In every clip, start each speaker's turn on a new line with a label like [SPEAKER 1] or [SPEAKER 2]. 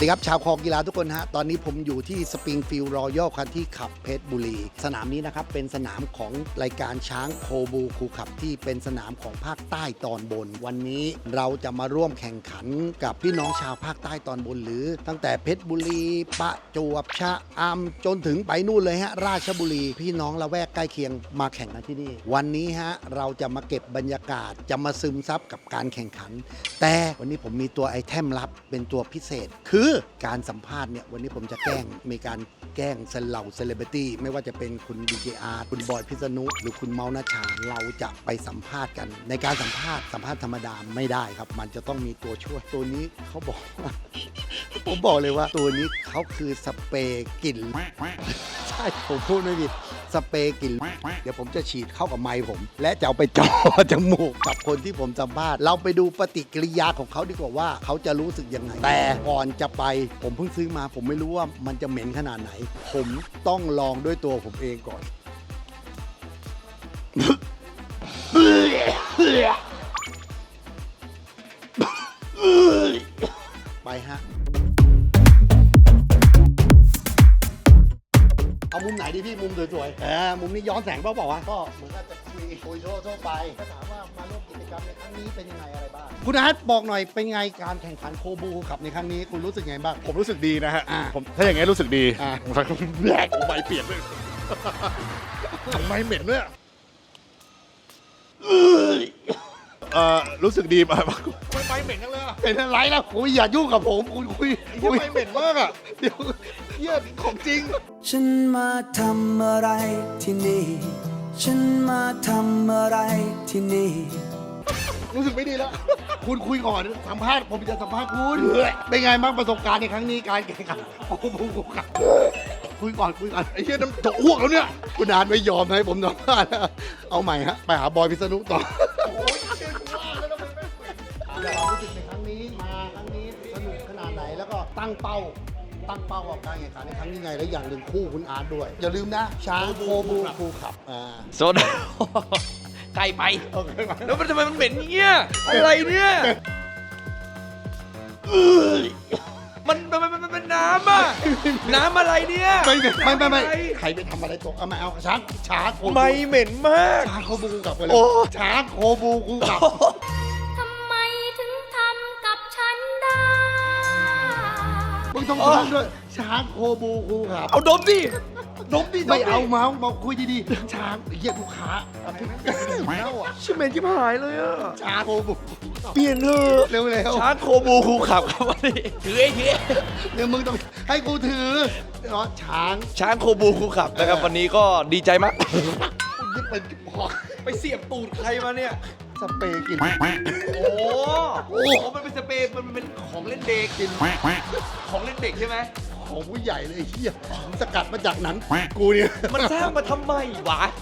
[SPEAKER 1] วัสดีครับชาวคอกีฬาทุกคนฮะตอนนี้ผมอยู่ที่สปริงฟิลด์รอยัลคันที่ขับเพชรบุรีสนามนี้นะครับเป็นสนามของรายการช้างโคบูคูขับที่เป็นสนามของภาคใต้ตอนบนวันนี้เราจะมาร่วมแข่งขันกับพี่น้องชาวภาคใต้ตอนบนหรือตั้งแต่เพชรบุรีประจวบชะอำจนถึงไปนู่นเลยฮะราชบุรีพี่น้องละแวกใกล้เคียงมาแข่งกันที่นี่วันนี้ฮะเราจะมาเก็บบรรยากาศจะมาซึมซับกับการแข่งขันแต่วันนี้ผมมีตัวไอเทมลับเป็นตัวพิเศษคือการสัมภาษณ์เนี่ยวันนี้ผมจะมีการแกล้งเหล่าเซเลบริตี้ไม่ว่าจะเป็นคุณ DJR คุณบอยพิษณุหรือคุณเมานาชาเราจะไปสัมภาษณ์กันในการสัมภาษณ์ธรรมดาไม่ได้ครับมันจะต้องมีตัวช่วยตัวนี้เขาบอกว่า ผมบอกเลยว่าตัวนี้เขาคือสเปรย์กลิ่นใช่ผมพูดไม่ผิดสเปรย์กลิ่นเดี๋ยวผมจะฉีดเข้ากับไมค์ผมและจะเอาไปจ่อจมูกกับคนที่ผมสัมภาษณ์เราไปดูปฏิกิริยาของเขาดีกว่าว่าเขาจะรู้สึกยังไงแต่ก่อนจะไปผมเพิ่งซื้อมาผมไม่รู้ว่ามันจะเหม็นขนาดไหนผมต้องลองด้วยตัวผมเองก่อน ไปฮะเอามุมไหนดีพี่มุมสวยๆมุมนี้ย้อนแสงเปล่าวะก็เหมือนกับจะคุยทั่วไปก็ถามว่ามาร่วมกิจกรรมในครั้งนี้เป็นยังไงอะไรบ้างคุณอาร์ตบอกหน่อยเป็นไงการแข่งขันโคบูขับในครั้งนี้คุณรู้สึกไงบ้าง
[SPEAKER 2] ผมรู้สึกดีนะฮะผมถ้าอย่างงี้รู้สึกดีแบกใบเปียกเลยใบเหม็นด้วยรู้สึกดีป่ะใบเหม็นจังเลย
[SPEAKER 1] เป็นอะไรล่ะคุยอย่ายุ่งกับผมคุณคุย
[SPEAKER 2] ใบเหม็นมากอ่ะเดี๋ยวเหี้ยของจริง
[SPEAKER 3] ฉันมาทำอะไรที่นี่ฉันมาทำอะไรที่นี่
[SPEAKER 1] รู้สึกไม่ดีแล้วคุณคุยก่อนสัมภาษณ์ผมจะสัมภาษณ์คุณเป็นไงบ้างประสบการณ์ในครั้งนี้การแข่งขันโอ้โหคุยก่อน
[SPEAKER 2] ไอ้เหี้ยน้ำจะอ้วกแล้วเนี่ย
[SPEAKER 1] คุณอาร์ตไม่ยอมให้ผมสัมภาษณ์เอาใหม่ฮะไปหาบอยพิษณุต่อเรารู้สึกในครั้งนี้มาครั้งนี้สนุกขนาดไหนแล้วก็ตั้งเป้ากับการแข่งขันในครั้งนี้ไงแล้วอย่างหนึ่งคู่คุณอาร์ตด้วยอย่าลืมนะช้างโคบูคูขับ
[SPEAKER 4] โซดาไกลไปแล้วมันทำไมมันเหม็นเงี้ยอะไรเนี่ยมันเป็นน้ำอะน้ำอะไรเนี่ย
[SPEAKER 1] ไม่ใครไปทำอะไรตกเอามาเอาช้างโคบู
[SPEAKER 4] ไม่เหม็นมาก
[SPEAKER 1] ช้างโคบูคูขับไปเลยช้างโคบูคูขับมึงต้องทำด้วยช้างโคบูคูขับ
[SPEAKER 4] เอาดมดิ
[SPEAKER 1] ไม่เอาเมาคุยดีๆช้างเหี้ยลูกค้า
[SPEAKER 4] ชิเมนที่หายเลยอ่ะ
[SPEAKER 1] ช้างโคบู
[SPEAKER 4] เปลี่ยนเถอะ
[SPEAKER 1] เร็ว
[SPEAKER 4] ช้างโคบูคูขับครับวันนี้ถือไอ้เหี้ย
[SPEAKER 1] เดี๋ยวมึงต้องให้กูถือเนาะ
[SPEAKER 4] ช้างโคบูคูขับนะครับวันนี้ก็ดีใจมาก
[SPEAKER 1] ยึดเป็น
[SPEAKER 4] ไปเสียบตูดใครมาเนี่ย
[SPEAKER 1] สเปรย์กิน
[SPEAKER 4] โอ้มันเป็นสเปรย์มันเป็นของเล่นเด็กกินของเล่นเด็กใช่ไหม
[SPEAKER 1] ของผู้ใหญ่เลยเฮียสกัดมาจากหนังกูเนี่ย
[SPEAKER 4] มันสร้างมาทำไมวะ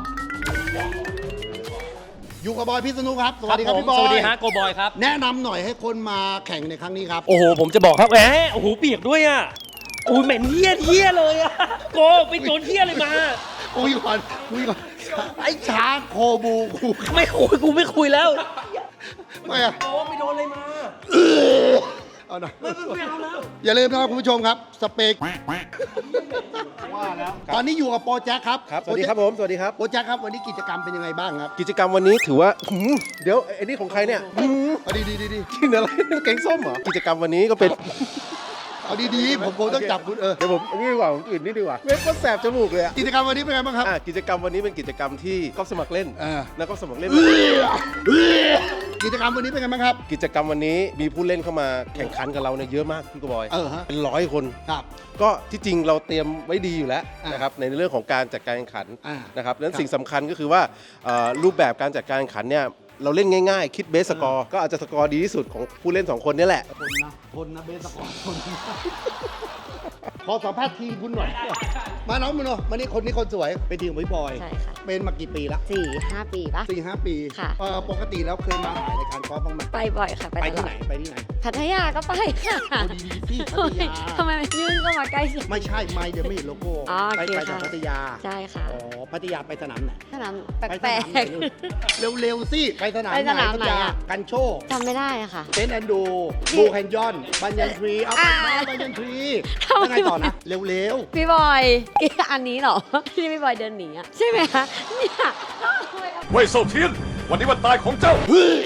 [SPEAKER 1] อยู่กับบอยพิษณุครับสวัสดีครับพี่บอย
[SPEAKER 5] สวัสดีฮะโกบอยครับ
[SPEAKER 1] แนะนำหน่อยให้คนมาแข่งในครั้งนี้ครับ
[SPEAKER 5] โอ้โหผมจะบอกครับโอ้โหเปียกด้วยอ่ะโอ้ยเหม็นเหี้ยเลยอ่ะโกไปโดนเหี้ยเลยมา
[SPEAKER 1] คุยก่อนไอ้ช้างโคบูกู
[SPEAKER 5] ไม่คุยกูไม่คุยแล้ว
[SPEAKER 1] ไม่อะ
[SPEAKER 5] โอ้ไปโดนอะไรมา
[SPEAKER 1] เอาหน่อยอย่าลืมนะครับคุณผู้ชมครับสเปกว่าแล้วตอนนี้อยู่กับโปรแจ็คครับ
[SPEAKER 2] สวัสดีครับผมสวัสดีครับ
[SPEAKER 1] โปรแจ็คครับวันนี้กิจกรรมเป็นยังไงบ้างครับ
[SPEAKER 2] กิจกรรมวันนี้ถือว่าเดี๋ยวไอ้นี่ของใครเนี่ย
[SPEAKER 1] ดี
[SPEAKER 2] กินอะไรแกงส้มเหรอกิจกรรมวันนี้ก็เป็น
[SPEAKER 1] เอาดีๆผมต้องจับคุณ
[SPEAKER 2] เดี๋ยวผมนี่ดีกว่าผมอื่นนี่ดีกว่าเว็บก็แสบจมูกเลย
[SPEAKER 1] กิจกรรมวันนี้เป็นไงบ้างครับ
[SPEAKER 2] กิจกรรมวันนี้เป็นกิจกรรมที่ก๊อฟสมัครเล่นแล้วก็สมัครเล่น
[SPEAKER 1] กิจกรรมวันนี้เป็นไงบ้างครับ
[SPEAKER 2] กิจกรรมวันนี้มีผู้เล่นเข้ามาแข่งขันกับเราเนี่ยเยอะมากพี่กบอยเป็น100 คน
[SPEAKER 1] ครับ
[SPEAKER 2] ก็ที่จริงเราเตรียมไว้ดีอยู่แล้วนะครับในเรื่องของการจัดการแข่งขันนะครับนั้นสิ่งสำคัญก็คือว่ารูปแบบการจัดการแข่งขันเนี่ยเราเล่นง่ายๆคิดเบสสกอร์ก็อาจจะสกอร์ดีที่สุดของผู้เล่น2 คนนี่แหละ
[SPEAKER 1] ทนนะเบสสกอร์ทนขอสัมภาษณ์ทีมคุณหน่อยมาน้องมาโนมานี่คนนี้คนสวยเป็นทีมของพี่บอย
[SPEAKER 6] ใช่ค่ะ
[SPEAKER 1] เป็นมากี่ปีละ
[SPEAKER 6] 4-5 ปีปะ
[SPEAKER 1] 4-5 ปี
[SPEAKER 6] ค่ะ
[SPEAKER 1] ปกติแล้วเคยมาถ่ายรายการกอล์ฟบ้างไหม
[SPEAKER 6] ไปบ่อยค่ะ
[SPEAKER 1] ไป
[SPEAKER 6] ตล
[SPEAKER 1] ที่
[SPEAKER 6] อ
[SPEAKER 1] ไหน
[SPEAKER 6] ด
[SPEAKER 1] ไปที่ไหน
[SPEAKER 6] พัทยาก็ไปค่ะ
[SPEAKER 1] โอ้ดีๆสิพัทยา
[SPEAKER 6] ทำไมมันยื่นเข้ามาใกล้จัง
[SPEAKER 1] ไม่ใช่ไม่เดี๋ยวไม่เห็นโลโก้
[SPEAKER 6] อ๋อโอ
[SPEAKER 1] ไป
[SPEAKER 6] เค
[SPEAKER 1] จาก
[SPEAKER 6] ค่ะ
[SPEAKER 1] พัทยา
[SPEAKER 6] ใช่ค่ะ
[SPEAKER 1] อ๋อพัทยาไปสนามไหน
[SPEAKER 6] สนามแ
[SPEAKER 1] ไป
[SPEAKER 6] ปล
[SPEAKER 1] สนาม
[SPEAKER 6] ก
[SPEAKER 1] ไหนเร็วๆสิไปสนาม
[SPEAKER 6] ไปสนามไหน
[SPEAKER 1] พัทยา
[SPEAKER 6] อะ
[SPEAKER 1] กันโชค
[SPEAKER 6] ๆจำไม่ได้อะค่ะ
[SPEAKER 1] เซนต์แอนดูบูแคนยอนบันยันทรีเอาไปมาบันยันทรี
[SPEAKER 6] ทำไม
[SPEAKER 1] แล้วไงต่อนะ เร็ว
[SPEAKER 6] พี่บอยอันนี้เหรอ ที่พี่บอยเดินหนีอะใช่ไหมคะเนี่ย
[SPEAKER 7] เว่ยเซาเทียน วันนี้วันตายของเจ้า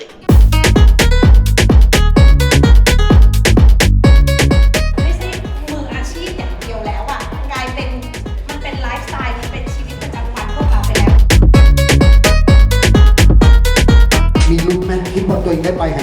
[SPEAKER 8] ไม่ใช่มืออาชีพอย่างเดียวแล้วอ่ะกลายเป็นมันเป็นไลฟ์สไตล์มันเป็นชีวิตประจำวันพวกเราไปแล้ว
[SPEAKER 1] ๆมีลุ้นไหมคิดว่าตัวเองได้ไปแฮ